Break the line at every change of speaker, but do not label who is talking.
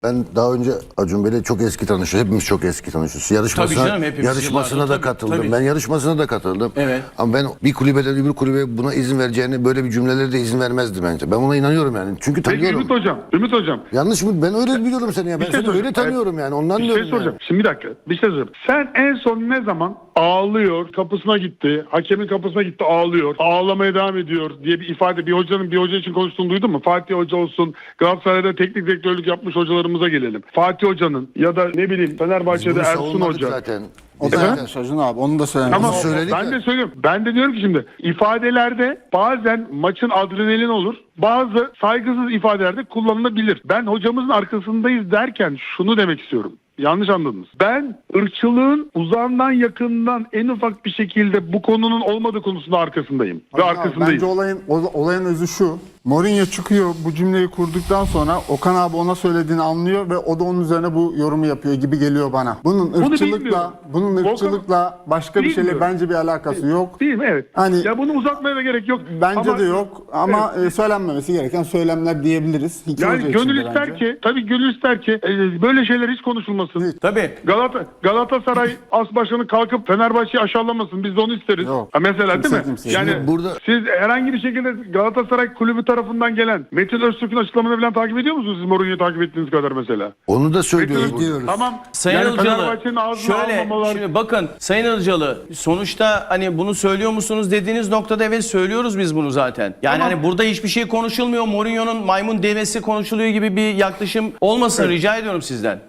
Ben daha önce Acun Bey'le çok eski tanışıyoruz. Hepimiz çok eski tanışıyoruz. Yarışmasına da katıldım.
Tabii.
Ben yarışmasına da katıldım.
Evet.
Ama ben bir kulübeden öbür kulübe buna izin vereceğini, böyle bir cümleleri de izin vermezdi bence. Ben ona inanıyorum yani. Çünkü
Peki
tanıyorum.
Ümit Hocam.
Yanlış mı? Ben öyle biliyorum seni ya. Ben
şey
seni öyle
soracağım.
tanıyorum yani. Ondan
Bir
diyorum
şey soracağım.
yani.
Şimdi bir dakika. Bir şey soracağım. Sen en son ne zaman ağlıyor, kapısına gitti, hakemin kapısına gitti ağlıyor, ağlamaya devam ediyor diye bir ifade, bir hocanın bir hoca için konuştuğunu duydun mu? Fatih Hoca olsun, Galatasaray'da teknik direktörlük yapmış hocalarımıza gelelim. Fatih Hoca'nın ya da ne bileyim Fenerbahçe'de
Bunu
Ersun
savunmadık
Hoca.
zaten.
O da
Efendim?
yapmış Acun abi. Onu da söylemek
Ama
istiyorum.
söyledik
ben
ya.
de söylüyorum. Ben de diyorum ki şimdi ifadelerde bazen maçın adrenalin olur. Bazı saygısız ifadelerde kullanılabilir. Ben hocamızın arkasındayız derken şunu demek istiyorum. Yanlış anladınız. Ben ırkçılığın uzağından yakından en ufak bir şekilde bu konunun olmadığı konusunda arkasındayım. Ve
Acun abi,
arkasındayım.
bence olayın özü şu. Mourinho çıkıyor bu cümleyi kurduktan sonra Okan abi ona söylediğini anlıyor ve o da onun üzerine bu yorumu yapıyor gibi geliyor bana.
bilmiyorum.
Bunun ırkçılıkla başka bir şeyle
Bilmiyorum.
bence bir alakası yok.
Değil mi? Evet.
Hani-
ya bunu uzatmaya da gerek yok.
Bence
Ama-
de yok ama söylenmemesi gereken söylemler diyebiliriz. İki
Yani
hoca için
gönül
de
ister
bence.
ki, tabii gönül ister ki böyle şeyler hiç konuşulmasın.
Tabii.
Galatasaray as başkanı kalkıp Fenerbahçe'yi aşağılamasın. Biz de onu isteriz.
Yok.
Ha, mesela
Kimse
değil mi?
kimseye.
Yani
Şimdi burada-
siz herhangi bir şekilde Galatasaray kulübü tarafından gelen Metin Öztürk'ün açıklamalarını falan takip ediyor musunuz siz Mourinho'yu takip ettiğiniz kadar mesela?
Onu da söylüyoruz.
Metin Öztürk- Tamam.
Sayın
yani
Ilıcalı,
Fenerbahçe'nin ağzını
şöyle,
almamalar.
şimdi bakın Sayın Ilıcalı, sonuçta hani bunu söylüyor musunuz dediğiniz noktada evet söylüyoruz biz bunu zaten. Yani
Tamam.
hani burada hiçbir şey konuşulmuyor, Mourinho'nun maymun devesi konuşuluyor gibi bir yaklaşım olmasın rica ediyorum sizden.